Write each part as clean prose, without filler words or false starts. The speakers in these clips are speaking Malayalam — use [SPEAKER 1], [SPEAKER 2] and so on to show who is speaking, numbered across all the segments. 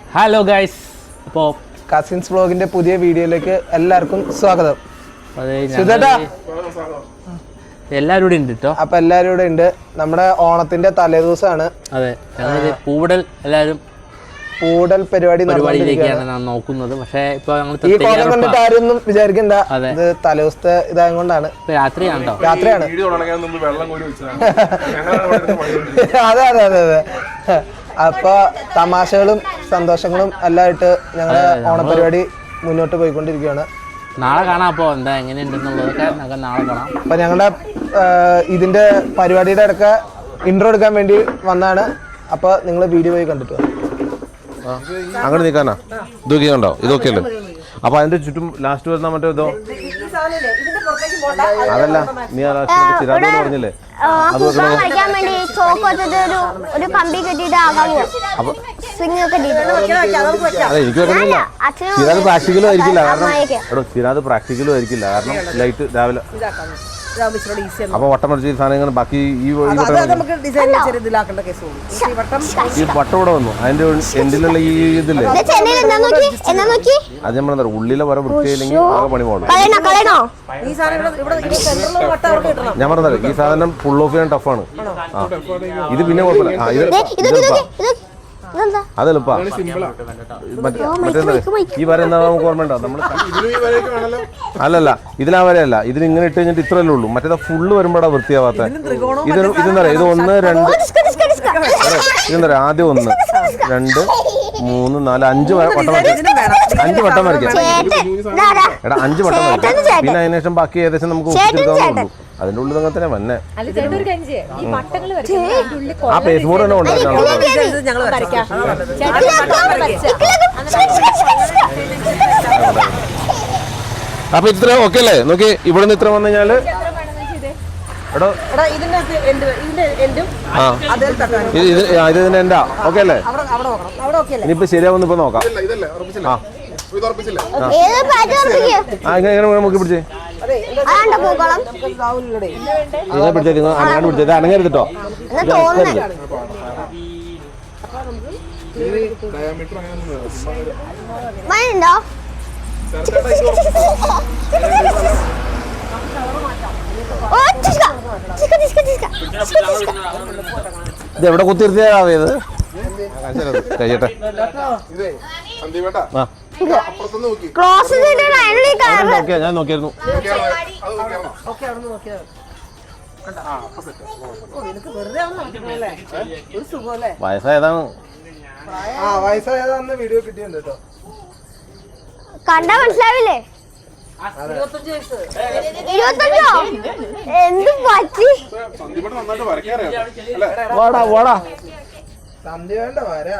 [SPEAKER 1] ഹലോ ഗൈസ്, അപ്പോൾ
[SPEAKER 2] കസിൻസ് വ്ളോഗിന്റെ പുതിയ വീഡിയോയിലേക്ക് എല്ലാവർക്കും സ്വാഗതം.
[SPEAKER 1] എല്ലാവരും കൂടെ ഉണ്ട് കേട്ടോ.
[SPEAKER 2] അപ്പൊ എല്ലാവരും കൂടെ ഉണ്ട്. നമ്മുടെ ഓണത്തിന്റെ തലേദിവസമാണ്.
[SPEAKER 1] അതെ, പൂടൽ എല്ലാവരും
[SPEAKER 2] പൂടൽ
[SPEAKER 1] പരിപാടിയിലേക്കാണ് ഞാൻ നോക്കുന്നത്. പക്ഷേ ഇപ്പൊ
[SPEAKER 2] ഈ കോലം കണ്ടിട്ട് ആരൊന്നും വിചാരിക്കണ്ട, ഇത് തലേദിവസത്തെ ഇതായത് കൊണ്ടാണ്.
[SPEAKER 1] രാത്രിയാണ്.
[SPEAKER 2] അതെ അതെ അതെ അതെ. അപ്പൊ തമാശകളും സന്തോഷങ്ങളും എല്ലാമായിട്ട് ഞങ്ങളുടെ ഓണപരിപാടി മുന്നോട്ട് പോയിക്കൊണ്ടിരിക്കുകയാണ്.
[SPEAKER 1] നാളെ കാണാം. അപ്പോൾ എന്താ എങ്ങനെയുണ്ടെന്നുള്ളതൊക്കെ നമുക്ക് നാളെ കാണാം.
[SPEAKER 2] അപ്പൊ ഞങ്ങളുടെ ഇതിന്റെ പരിപാടിയുടെ ഇടയ്ക്ക് ഇൻട്രോ എടുക്കാൻ വേണ്ടി വന്നാണ്. അപ്പൊ നിങ്ങൾ വീഡിയോ പോയി കണ്ടിട്ട്
[SPEAKER 3] അങ്ങനെ നിൽക്കാനാ ഇതൊക്കെ ഉണ്ടോ? ഇതൊക്കെ അല്ലേ. അപ്പൊ അതിന്റെ ചുറ്റും ലാസ്റ്റ് വരുന്ന മറ്റേ ഇതോ അതല്ല, നീ ചിരാത് പറഞ്ഞില്ലേ അത് അതെ എനിക്ക് വെക്കണില്ല. ചിരാത് പ്രാക്ടിക്കലും ആയിരിക്കില്ല, കാരണം എടോ ചിരാത് പ്രാക്ടിക്കലും ആയിരിക്കില്ല, കാരണം ലൈറ്റ് രാവിലെ അപ്പൊ വട്ടം മറിച്ച് സാധനങ്ങൾ ബാക്കി ഈ വട്ടം ഇവിടെ വന്നു. അതിന്റെ എൻഡിലുള്ള ഈ ഇതില്ലേ അത് നമ്മളെന്താ ഉള്ളിലെ വര വൃത്തിയില്ലെങ്കിൽ ആകെ പണി പോകണം. ഞാൻ പറഞ്ഞത് ഈ സാധനം ഫുൾ ഓഫ് ചെയ്യാൻ ടഫാണ്. ആ ഇത് പിന്നെ കുഴപ്പമില്ല. അതെളുപ്പാ. മറ്റേന്താ ഈ വര എന്താ നമുക്ക് ഓർമ്മ ഉണ്ടോ? നമ്മള് അല്ലല്ല, ഇതിലാ വരെയല്ല. ഇതിന് ഇങ്ങനെ ഇട്ട് കഴിഞ്ഞിട്ട് ഇത്രയല്ലേ ഉള്ളൂ. മറ്റേതാ ഫുള്ള് വരുമ്പോഴാ വൃത്തിയാവാത്ത. ഇതെന്താ പറയാ, ഇത് 1 2 ഇതെന്താ പറയാ, ആദ്യം 1 2 3 4 5 വട്ടം വരയ്ക്കാം. 5 വട്ടം വരയ്ക്കാം. എടാ 5 വട്ടം വരയ്ക്കാം. പിന്നെ അതിന് ശേഷം ബാക്കി ഏകദേശം നമുക്ക് ഒപ്പിച്ചെടുക്കാവുന്നേ ഉള്ളൂ. അതിന്റെ ഉള്ളിൽ അങ്ങനെ തന്നെ വന്നെ. ആ പേസ് ബോർഡ് തന്നെ ഉണ്ടായിരുന്നു. അപ്പൊ ഇത്ര ഓക്കെ അല്ലേ? നോക്കി ഇവിടെ നിന്ന് ഇത്ര വന്നു കഴിഞ്ഞാല് ഇതിന്റെ എന്താ ഓക്കെ അല്ലേ? ഇനിയിപ്പോ ശരിയാവുന്ന ഇപ്പൊ നോക്കാം. എങ്ങനെ നോക്കി പിടിച്ചേ പിടിച്ചേ നിങ്ങൾ അനങ്ങാണ്ട് പിടിച്ചത് അനങ്ങരുതട്ടോ. ഇത് എവിടെ കുത്തിരുത്തിയത് കഴിയട്ടെ. ഞാൻ നോക്കിയായിരുന്നു. വയസ്സായതാണ്.
[SPEAKER 2] വയസ്സായതാന്ന് വീഡിയോ കിട്ടിയിട്ടുണ്ട് കേട്ടോ.
[SPEAKER 4] കണ്ടാ മനസ്സിലാവില്ലേ? 25 എന്ത് പറ്റി?
[SPEAKER 3] വാടാ വാടാ
[SPEAKER 2] സന്ധ്യ വേണ്ട വരാ.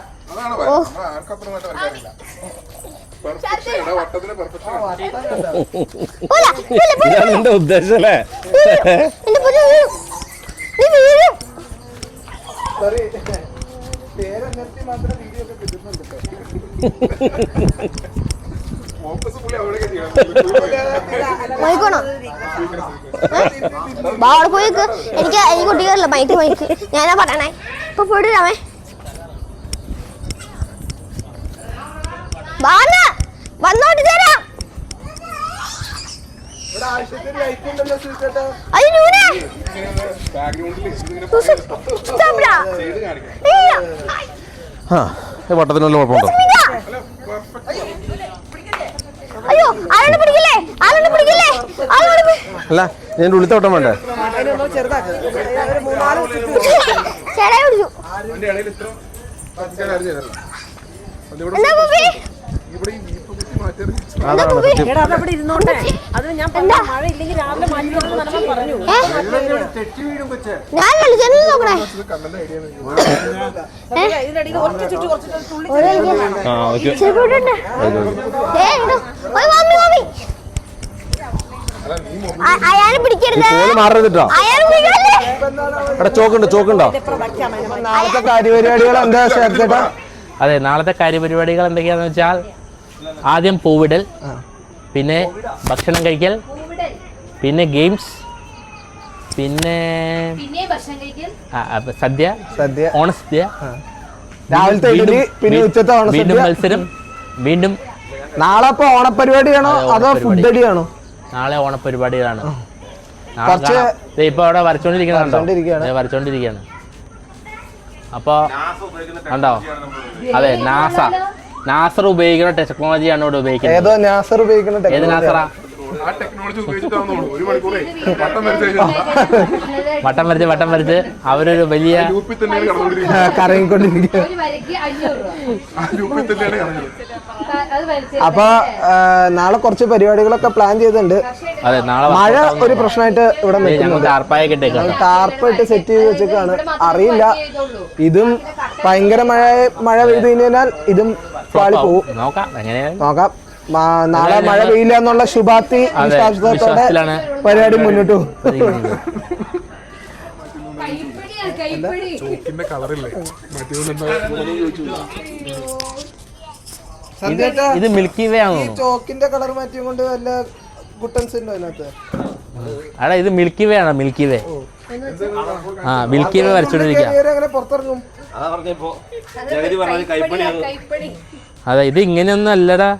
[SPEAKER 3] ഇതാണ് എന്റെ ഉദ്ദേശം അല്ലേ?
[SPEAKER 2] മാത്രം വീഡിയോ ഒക്കെ കിട്ടുന്നുണ്ട്.
[SPEAKER 4] എനിക്ക് കുട്ടികളില്ല മൈക്ക് മൈക്ക് ഞാനാ പറയണേ. ഇപ്പൊ പോയിട്ട് രാമേ വന്നോട്ട് തരാം.
[SPEAKER 3] വട്ടത്തിനുള്ള കുഴപ്പമുണ്ടോ?
[SPEAKER 4] അയ്യോ ആരോട് പിടിക്കില്ലേ, ആരോട് പിടിക്കില്ലേ.
[SPEAKER 3] അല്ല ഞാൻ ഉള്ളിത്ത വട്ടം വേണ്ടേ?
[SPEAKER 4] ചേട്ടായി പിടിച്ചു.
[SPEAKER 3] ചോക്കുണ്ടോ?
[SPEAKER 2] നാളത്തെ കാര്യപരിപാടികൾ എന്താ ചേട്ടാ?
[SPEAKER 1] അതെ, നാളത്തെ കാര്യപരിപാടികൾ എന്തൊക്കെയാന്ന് വെച്ചാൽ ആദ്യം പൂവിടൽ, പിന്നെ ഭക്ഷണം കഴിക്കൽ, പിന്നെ ഗെയിംസ്, പിന്നെ സദ്യ, ഓണസദ്യ,
[SPEAKER 2] രാവിലത്തെ ഇഡലി പിന്നെ ഉച്ചത്തെ
[SPEAKER 1] വീണ്ടും
[SPEAKER 2] ഓണസദ്യ.
[SPEAKER 1] മത്സരം വീണ്ടും.
[SPEAKER 2] നാളെ ഇപ്പൊ ഓണപരിപാടിയാണോ അതോ ഫുഡ് അടിയാണോ?
[SPEAKER 1] നാളെ ഓണപരിപാടികളാണ്.
[SPEAKER 2] കുറച്ച്
[SPEAKER 1] ഇപ്പൊ അവിടെ
[SPEAKER 2] വരച്ചോണ്ടിരിക്കുകയാണ്.
[SPEAKER 1] വരച്ചോണ്ടിരിക്കുകയാണ്. അപ്പൊ ഉണ്ടോ? അതെ, നാസർ ഉപയോഗിക്കുന്ന ടെക്നോളജിയാണ് ഇവിടെ ഉപയോഗിക്കുന്നത്.
[SPEAKER 2] ഏതോ നാസർ ഉപയോഗിക്കുന്ന
[SPEAKER 1] ഏത് നാസറാ? വട്ടം വരച്ച് അവരൊരു വലിയ
[SPEAKER 2] കറങ്ങിക്കൊണ്ടിരിക്കുക. അപ്പൊ നാളെ കുറച്ച് പരിപാടികളൊക്കെ പ്ലാൻ ചെയ്തിട്ടുണ്ട്.
[SPEAKER 1] അതെ, നാളെ
[SPEAKER 2] മഴ ഒരു പ്രശ്നമായിട്ട് ഇവിടെ ടാർപ്പായിട്ട് സെറ്റ് ചെയ്ത് വെച്ചേക്കാണ്. അറിയില്ല, ഇതും ഭയങ്കര മഴ പെയ്തു കഴിഞ്ഞാൽ ഇതും പാളി പോവും. നോക്കാം. നാളെ മഴ പെയ്യില്ല എന്നുള്ള ശുഭാപ്തി വിശ്വാസത്തോടെ പരിപാടി മുന്നോട്ട് പോകും.
[SPEAKER 1] ഇത് മിൽക്കി വേ ആണോ?
[SPEAKER 2] ചോക്കിന്റെ കളർ മാറ്റിയും കൊണ്ട് വല്ല ഗുട്ടൻസ് ഉണ്ടോ അതിനകത്ത്?
[SPEAKER 1] അടാ, ഇത് മിൽക്കി വേ ആണോ? Milky way. മിൽക്കി വേ വരച്ചോണ്ടിരിക്കുക.
[SPEAKER 2] പുറത്തിറങ്ങും.
[SPEAKER 1] അതെ, ഇത് ഇങ്ങനെയൊന്നും അല്ലടാ.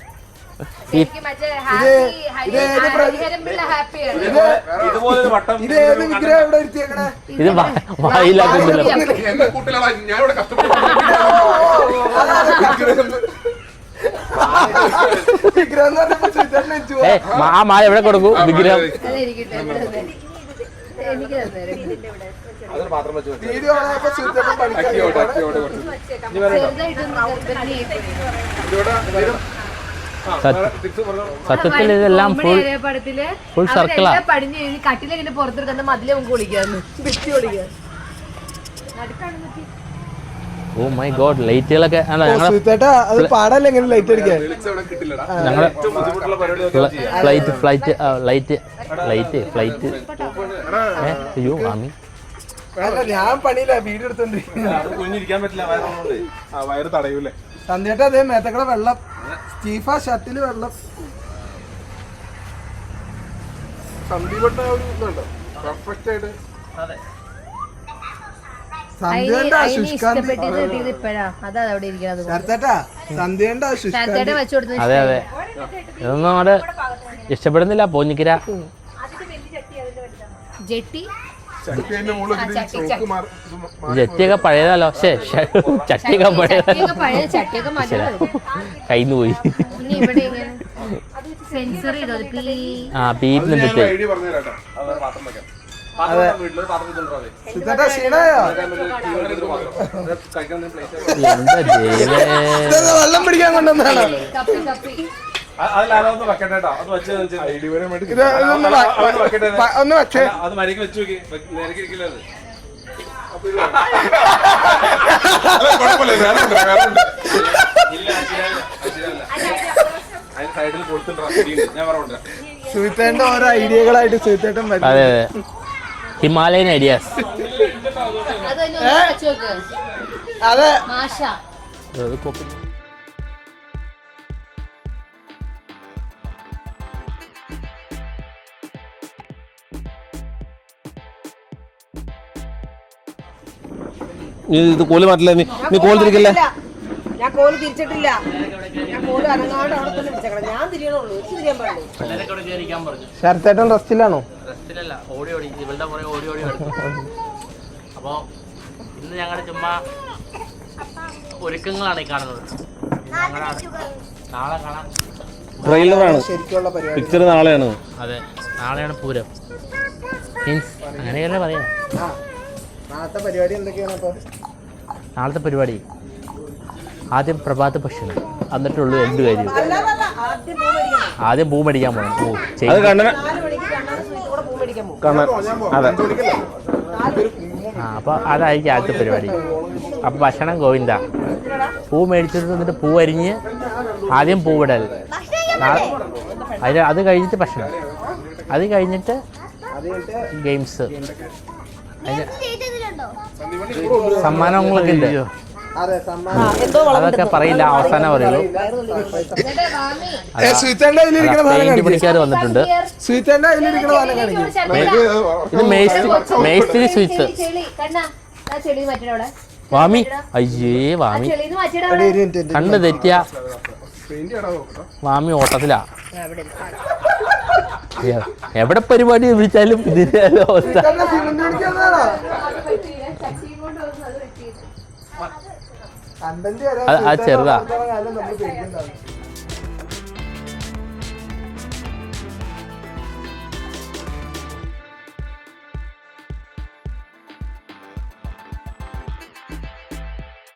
[SPEAKER 1] ഇത് വായിലാക്കുന്നില്ല. ആ മായ എവിടെ കൊടുക്കൂ വിഗ്രഹം? സത്യത്തിൽ ഇതെല്ലാം ഫുൾ സർക്കിളാ.
[SPEAKER 5] കട്ടിലിങ്ങനെ പുറത്തെടുക്കുന്ന മതിലെ കുളിക്കാന്ന്
[SPEAKER 1] ഓ മൈ ഗോഡ്, ലൈറ്റുകളൊക്കെ ഞങ്ങള് ഫ്ലൈറ്റ്. അയ്യോ മാമി,
[SPEAKER 2] ഞാൻ പണിയില്ല, വീഡിയോ എടുത്തോണ്ടിരിക്കാൻ വയറ് തടയൂലേ. സന്ധ്യേട്ടാ അതേ മേത്തക്കട വെള്ളം, സ്റ്റീഫ ഷർട്ടില് വെള്ളം. സന്ദീപട്ട പെർഫെക്റ്റ് ആയിട്ട്
[SPEAKER 1] അതെ അതെ, ഇതൊന്നും അങ്ങോട്ട് ഇഷ്ടപ്പെടുന്നില്ല. പോഞ്ഞിക്കര ജെറ്റിയൊക്കെ പഴയതല്ലോ. ചട്ടിയൊക്കെ പഴയതല്ലോ. കയ്യിന്ന് പോയി. പീപ്പിന്നിട്ട്
[SPEAKER 2] വെള്ളം പിടിക്കാൻ കൊണ്ടുവന്നാണ്. ഒന്ന് വെച്ചേ. സുഹിത്തേട്ട ഓരോ ഐഡിയകളായിട്ട് സുഹിത്തേട്ടൻ വരും.
[SPEAKER 1] അതെ അതെ, ഹിമാലയൻ ഐഡിയാസ്.
[SPEAKER 2] അതെ,
[SPEAKER 3] ഇത് കോല് മാറ്റില്ല. നീ കോല് തിരിക്കല്ലേ?
[SPEAKER 5] ഞാൻ കോല് തിരിച്ചിട്ടില്ല. ഞാൻ കോല് അനങ്ങാണ്ട് അവിടെ തന്നെ പിടിച്ചേക്കണം. ഞാൻ തിരിയണുള്ളൂ, എനിക്ക് തിരിയാൻ പാടില്ല.
[SPEAKER 2] ശരത്തേട്ടൻ റെസ്റ്റിലാണോ?
[SPEAKER 1] അപ്പോ ഇന്ന് ഞങ്ങളുടെ ചുമ്മാ ഒരുക്കങ്ങളാണ് ഈ കാണുന്നത്. നാളെ കാണാം.
[SPEAKER 3] ട്രെയിലറാണ്,
[SPEAKER 2] ശരിക്കുള്ള പരിപാടി.
[SPEAKER 3] പിക്ചർ നാളെയാണ്.
[SPEAKER 1] അതെ, നാളെയാണ് പൂരം. മീൻസ് അങ്ങനെയല്ലേ പറയാ.
[SPEAKER 2] നാളത്തെ പരിപാടി എന്തൊക്കെയാണ്? അപ്പൊ
[SPEAKER 1] നാളത്തെ പരിപാടി ആദ്യം പ്രഭാത ഭക്ഷണം, എന്നിട്ടുള്ളൂ എന്ത് കാര്യം. ആദ്യം പൂ മേടിക്കാൻ പോകണം. അപ്പൊ അതായിരിക്കും ആദ്യത്തെ പരിപാടി. അപ്പൊ ഭക്ഷണം ഗോവിന്ദ. പൂ മേടിച്ചിട്ട് വന്നിട്ട് പൂ അരിഞ്ഞ് ആദ്യം പൂവിടൽ, അത് കഴിഞ്ഞിട്ട് ഭക്ഷണം, അത് കഴിഞ്ഞിട്ട് ഗെയിംസ്, സമ്മാനങ്ങളൊക്കെ ഉണ്ട്. അതൊക്കെ പറയില്ല, അവസാനം പറയുള്ളൂ. പെയിന്റ് പണിക്കാർ വന്നിട്ടുണ്ട്. ഇത് മേസ്ത്രി സ്വിച്ച്. വാമി അയ്യേ വാമി
[SPEAKER 5] ചെളിന്ന് മാറ്റിയിടാ
[SPEAKER 2] ഒരു മിനിറ്റ്
[SPEAKER 1] കണ്ണ് തെറ്റിയ വാമി ഓട്ടത്തിലാ. എവിടെ പരിപാടി വിളിച്ചാലും ഇതിന്റെ അവസ്ഥ. അത് ചെറുതാ.